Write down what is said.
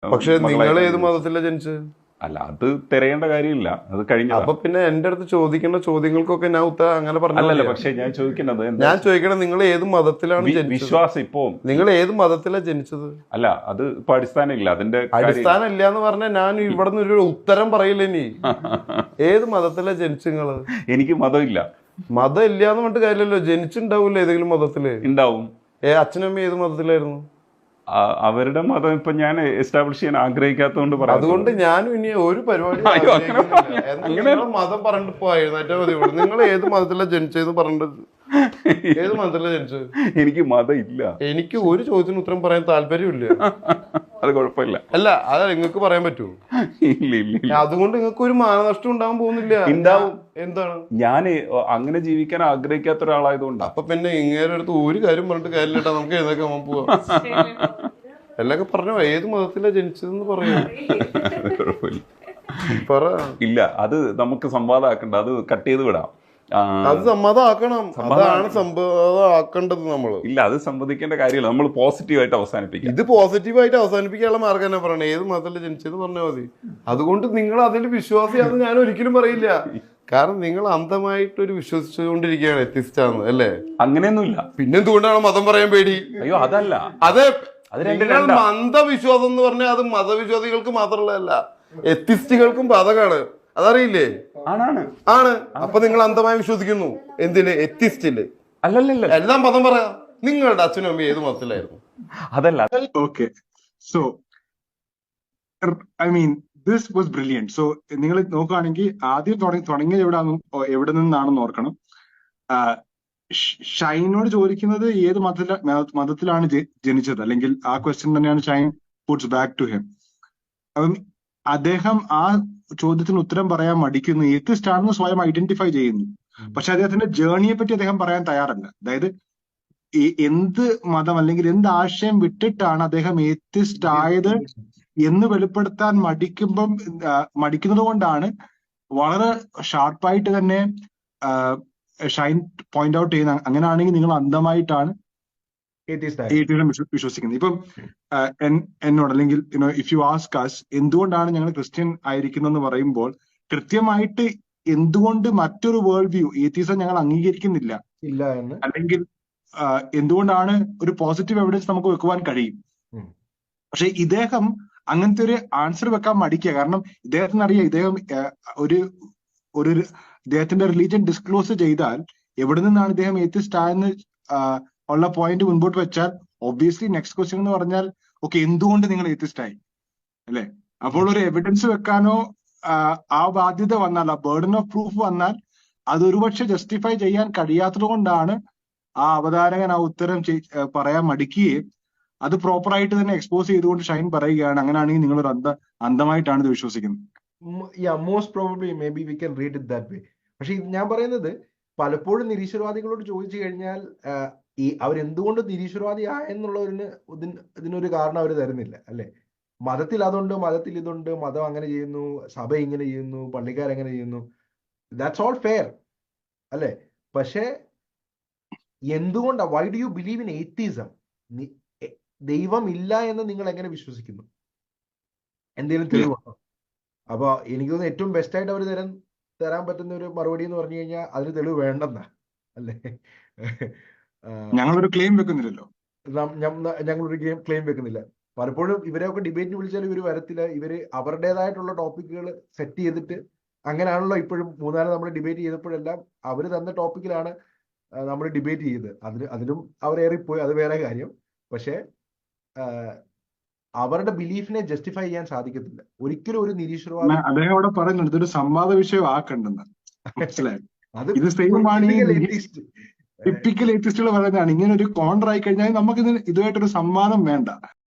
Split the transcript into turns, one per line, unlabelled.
പക്ഷെ നിങ്ങൾ ഏത്
മകളായിട്ടാണ്.
മതത്തിലാണ് ജനിച്ചത്?
അല്ല, അത് തിരയേണ്ട കാര്യമില്ല, അത് കഴിഞ്ഞതാ.
അപ്പൊ പിന്നെ എന്റെ അടുത്ത് ചോദിക്കേണ്ട ചോദ്യങ്ങൾക്കൊക്കെ ഞാൻ ഉത്തരം അങ്ങനെ പറഞ്ഞാൽ
അല്ലല്ല,
മതിയോ?
പക്ഷെ ഞാൻ ചോദിക്കുന്നത് എന്താ
ഞാൻ ചോദിക്കണം, നിങ്ങൾ ഏത് മതത്തിലാണ് ജനിച്ചത്?
വിശ്വാസം ഇപ്പോ
നിങ്ങൾ ഏത് മതത്തിലാണ് ജനിച്ചത്?
അല്ല, അത് ഇപ്പൊ അടിസ്ഥാനം ഇല്ല അതിന്റെ കാര്യം.
അടിസ്ഥാനം ഇല്ല എന്ന് പറഞ്ഞാൽ ഞാൻ ഇവിടെ നിന്ന് ഒരു ഉത്തരം പറയില്ല. ഇനി ഏത് മതത്തിലാണ് ജനിച്ചു നിങ്ങള്?
എനിക്ക് മതമില്ല.
മതം ഇല്ല എന്ന് പറഞ്ഞിട്ട് കാര്യമില്ലല്ലോ, ജനിച്ചിണ്ടാവൂല്ലോ ഏതെങ്കിലും മതത്തില്.
ഉണ്ടാവും.
അച്ഛനും അമ്മയും ഏത് മതത്തിലായിരുന്നു?
അവരുടെ മതം ഇപ്പൊ ഞാൻ എസ്റ്റാബ്ലിഷ് ചെയ്യാൻ ആഗ്രഹിക്കാത്തതുകൊണ്ട് പറയാം.
അതുകൊണ്ട് ഞാനും ഇനി ഒരു പരിപാടി
അയ്യോ, അങ്ങനെ
മതം പറഞ്ഞിട്ട് പോയിരുന്നേറ്റാ മതി. നിങ്ങൾ ഏത് മതത്തിലാണ് ജനിച്ചതെന്ന് പറഞ്ഞിട്ട് ഏത് മതത്തിലാണ് ജനിച്ചത്?
എനിക്ക് മതം ഇല്ല.
എനിക്ക് ഒരു ചോദ്യത്തിന് ഉത്തരം പറയാൻ താല്പര്യമില്ല.
അത് കുഴപ്പമില്ല.
അല്ല, അത് നിങ്ങൾക്ക് പറയാൻ പറ്റുമോ?
ഇല്ല ഇല്ല ഇല്ല.
അതുകൊണ്ട് നിങ്ങൾക്ക് ഒരു മാനനഷ്ടം ഉണ്ടാവാൻ പോകുന്നില്ല.
ഉണ്ടാവും.
എന്താണ്?
ഞാൻ അങ്ങനെ ജീവിക്കാൻ ആഗ്രഹിക്കാത്ത ഒരാളായതുകൊണ്ടാ.
അപ്പൊ പിന്നെ ഇങ്ങേരെ അടുത്ത് ഒരു കാര്യം പറഞ്ഞിട്ട് കാര്യമില്ലട്ടാ, നമുക്ക് ഏതൊക്കെ പോവാം. എല്ലൊക്കെ പറഞ്ഞോ, ഏത് മതത്തിലാണ് ജനിച്ചതെന്ന് പറയൂ.
കുഴപ്പമില്ല,
പറ.
ഇല്ല, അത് നമുക്ക് സംവാദമാക്കണ്ട, അത് കട്ട് ചെയ്ത് വിടാം.
അത് സമ്മതമാക്കണം. അതാണ് സമ്മതമാക്കേണ്ടത് നമ്മള്.
ഇല്ല, അത് സംവദിക്കേണ്ട കാര്യമില്ല, നമ്മൾ പോസിറ്റീവായിട്ട് അവസാനിപ്പിക്കാം.
ഇത് പോസിറ്റീവായിട്ട് അവസാനിപ്പിക്കാനുള്ള മാർഗം തന്നെ പറയണേ, ഏത് മതത്തില് ജനിച്ചെന്ന് പറഞ്ഞാൽ മതി. അതുകൊണ്ട് നിങ്ങൾ അതിൽ വിശ്വാസിയാണെന്ന് ഞാൻ ഒരിക്കലും പറയില്ല. കാരണം നിങ്ങൾ അന്ധമായിട്ടൊരു വിശ്വസിച്ചുകൊണ്ടിരിക്കുകയാണ് എത്തിസ്റ്റാന്ന്, അല്ലേ?
അങ്ങനെയൊന്നുമില്ല.
പിന്നെന്തുകൊണ്ടാണ് മതം പറയാൻ പേടി?
അയ്യോ, അതല്ല.
അത്
അത്
നിങ്ങൾ അന്ധവിശ്വാസം എന്ന് പറഞ്ഞാൽ അത് മതവിശ്വാസികൾക്ക് മാത്രമുള്ളതല്ല, എത്തിസ്റ്റുകൾക്കും ബാധകമാണ്. അതറിയില്ലേ?
ആണാണ്.
ആണ്. അപ്പൊ നിങ്ങൾ അന്ധമായി വിശ്വസിക്കുന്നു. എന്തില്? എത്തിസ്റ്റില്.
അല്ലല്ല,
എല്ലാം മതം പറയാം. നിങ്ങളുടെ അച്ഛനും അമ്മയും ഏത് മതത്തിലായിരുന്നു?
അതല്ല.
Okay. So, I mean, this was brilliant. So, നിങ്ങൾ നോക്കുകയാണെങ്കിൽ ആദ്യം തുടങ്ങിയത് എവിടെ നിന്നാണെന്ന് ഓർക്കണം. ഷൈനോട് ചോദിക്കുന്നത് ഏത് മതത്തിലാണ് ജനിച്ചത്, അല്ലെങ്കിൽ ആ ക്വസ്റ്റ്യൻ തന്നെയാണ് Shine puts back to him. അപ്പം അദ്ദേഹം ആ ചോദ്യത്തിന് ഉത്തരം പറയാൻ മടിക്കുന്നു, ഏത്തിസ്റ്റ് ആണെന്ന് സ്വയം ഐഡന്റിഫൈ ചെയ്യുന്നു. പക്ഷെ അദ്ദേഹത്തിന്റെ ജേർണിയെ പറ്റി അദ്ദേഹം പറയാൻ തയ്യാറല്ല. അതായത് എന്ത് മതം അല്ലെങ്കിൽ എന്ത് ആശയം വിട്ടിട്ടാണ് അദ്ദേഹം ഏത്തിസ്റ്റ് ആയത് എന്ന് വെളിപ്പെടുത്താൻ മടിക്കുന്നത് കൊണ്ടാണ് വളരെ ഷാർപ്പായിട്ട് തന്നെ ഷൈൻ പോയിന്റ് ഔട്ട് ചെയ്യുന്ന, അങ്ങനെയാണെങ്കിൽ നിങ്ങൾ അന്ധമായിട്ടാണ് വിശ്വസിക്കുന്നത്. ഇപ്പം എന്നോട് അല്ലെങ്കിൽ ഇഫ് യു ആസ്ക് അസ് എന്തുകൊണ്ടാണ് ഞങ്ങൾ ക്രിസ്ത്യൻ ആയിരിക്കുന്നതെന്ന് പറയുമ്പോൾ കൃത്യമായിട്ട് എന്തുകൊണ്ട് മറ്റൊരു വേൾഡ് വ്യൂ ഏത്തീസം ഞങ്ങൾ അംഗീകരിക്കുന്നില്ല
ഇല്ല എന്ന്,
അല്ലെങ്കിൽ എന്തുകൊണ്ടാണ് ഒരു പോസിറ്റീവ് എവിഡൻസ് നമുക്ക് വെക്കുവാൻ കഴിയും. പക്ഷെ ഇദ്ദേഹം അങ്ങനത്തെ ഒരു ആൻസർ വെക്കാൻ മടിക്കുക. കാരണം ഇദ്ദേഹത്തിന് അറിയാം, ഇദ്ദേഹം ഒരു ഇദ്ദേഹത്തിന്റെ റിലീജിയൻ ഡിസ്ക്ലോസ് ചെയ്താൽ എവിടെ നിന്നാണ് ഇദ്ദേഹം ഏത്തിസ്റ്റ് ആയെന്ന് ഉള്ള പോയിന്റ് മുൻപോട്ട് വെച്ചാൽ ഒബ്വിയസ്ലി നെക്സ്റ്റ് ക്വസ്റ്റ്യൻ എന്ന് പറഞ്ഞാൽ ഓക്കെ, എന്തുകൊണ്ട് നിങ്ങൾ ഏത്തിസ്റ്റ് ആയി, അല്ലെ? അപ്പോൾ ഒരു എവിഡൻസ് വെക്കാനോ ആ ബാധ്യത വന്നാൽ, ആ ബേർഡൻ ഓഫ് പ്രൂഫ് വന്നാൽ അത് ഒരുപക്ഷെ ജസ്റ്റിഫൈ ചെയ്യാൻ കഴിയാത്തത് കൊണ്ടാണ് ആ അവതാരകൻ ആ ഉത്തരം പറയാൻ മടിക്കുകയും അത് പ്രോപ്പറായിട്ട് തന്നെ എക്സ്പോസ് ചെയ്തുകൊണ്ട് ഷൈൻ പറയുകയാണ്, അങ്ങനെയാണെങ്കിൽ നിങ്ങൾ ഒരു അന്ധമായിട്ടാണ് ഇത് വിശ്വസിക്കുന്നത്.
Most probably may be we can read it that way. പക്ഷെ ഞാൻ പറയുന്നത്, പലപ്പോഴും നിരീശ്വരവാദികളോട് ചോദിച്ചു കഴിഞ്ഞാൽ ഈ അവരെന്തുകൊണ്ട് നിരീശ്വരവാദി ആയെന്നുള്ളതിന് ഇതിനൊരു കാരണം അവർ തരുന്നില്ല, അല്ലെ? മതത്തിൽ അതുണ്ട്, മതത്തിൽ ഇതുണ്ട്, മതം അങ്ങനെ ചെയ്യുന്നു, സഭ ഇങ്ങനെ ചെയ്യുന്നു, പള്ളിക്കാരെങ്ങനെ ചെയ്യുന്നു, ദാറ്റ്സ് ഓൾ ഫെയർ, അല്ലെ? പക്ഷെ എന്തുകൊണ്ടാ, why do you believe in atheism? ദൈവം ഇല്ല എന്ന് നിങ്ങൾ എങ്ങനെ വിശ്വസിക്കുന്നു? എന്തെങ്കിലും തെളിവുണ്ടോ? അപ്പൊ എനിക്ക് തോന്നുന്നു ഏറ്റവും ബെസ്റ്റ് ആയിട്ട് അവർ തരാൻ പറ്റുന്ന ഒരു മറുപടി എന്ന് പറഞ്ഞു കഴിഞ്ഞാൽ അതിന് തെളിവ് വേണ്ടെന്നാ, അല്ലേ?
ഞങ്ങളൊരു ക്ലെയിം വെക്കുന്നില്ലല്ലോ.
ഞങ്ങളൊരു ക്ലെയിം വെക്കുന്നില്ല. പലപ്പോഴും ഇവരെയൊക്കെ ഡിബേറ്റിന് വിളിച്ചാൽ ഇവർ വരത്തില്ല. ഇവര് അവരുടേതായിട്ടുള്ള ടോപ്പിക്കുകൾ സെറ്റ് ചെയ്തിട്ട്, അങ്ങനെയാണല്ലോ ഇപ്പോഴും മൂന്നാല് നമ്മൾ ഡിബേറ്റ് ചെയ്തപ്പോഴെല്ലാം അവർ തന്ന ടോപ്പിക്കിലാണ് നമ്മൾ ഡിബേറ്റ് ചെയ്തത്. അതിലും അവരേറിപ്പോയി, അത് വേറെ കാര്യം. പക്ഷെ അവരുടെ ബിലീഫിനെ ജസ്റ്റിഫൈ ചെയ്യാൻ സാധിക്കത്തില്ല ഒരിക്കലും ഒരു നിരീശ്വരവാദി.
അദ്ദേഹം അവിടെ പറയുന്നുണ്ട് ഇതൊരു സംവാദ വിഷയം ആക്കണ്ടെന്ന്. മനസ്സിലായി? ഇത് സെയിം ആണ് ടിപ്പിക്കൽ ഏത്തിസ്റ്റുകൾ പറയുന്നതാണ്. ഇങ്ങനെ ഒരു കോൺട്രായി കഴിഞ്ഞാൽ നമുക്ക് ഇതുമായിട്ടൊരു സംവാദം വേണ്ട.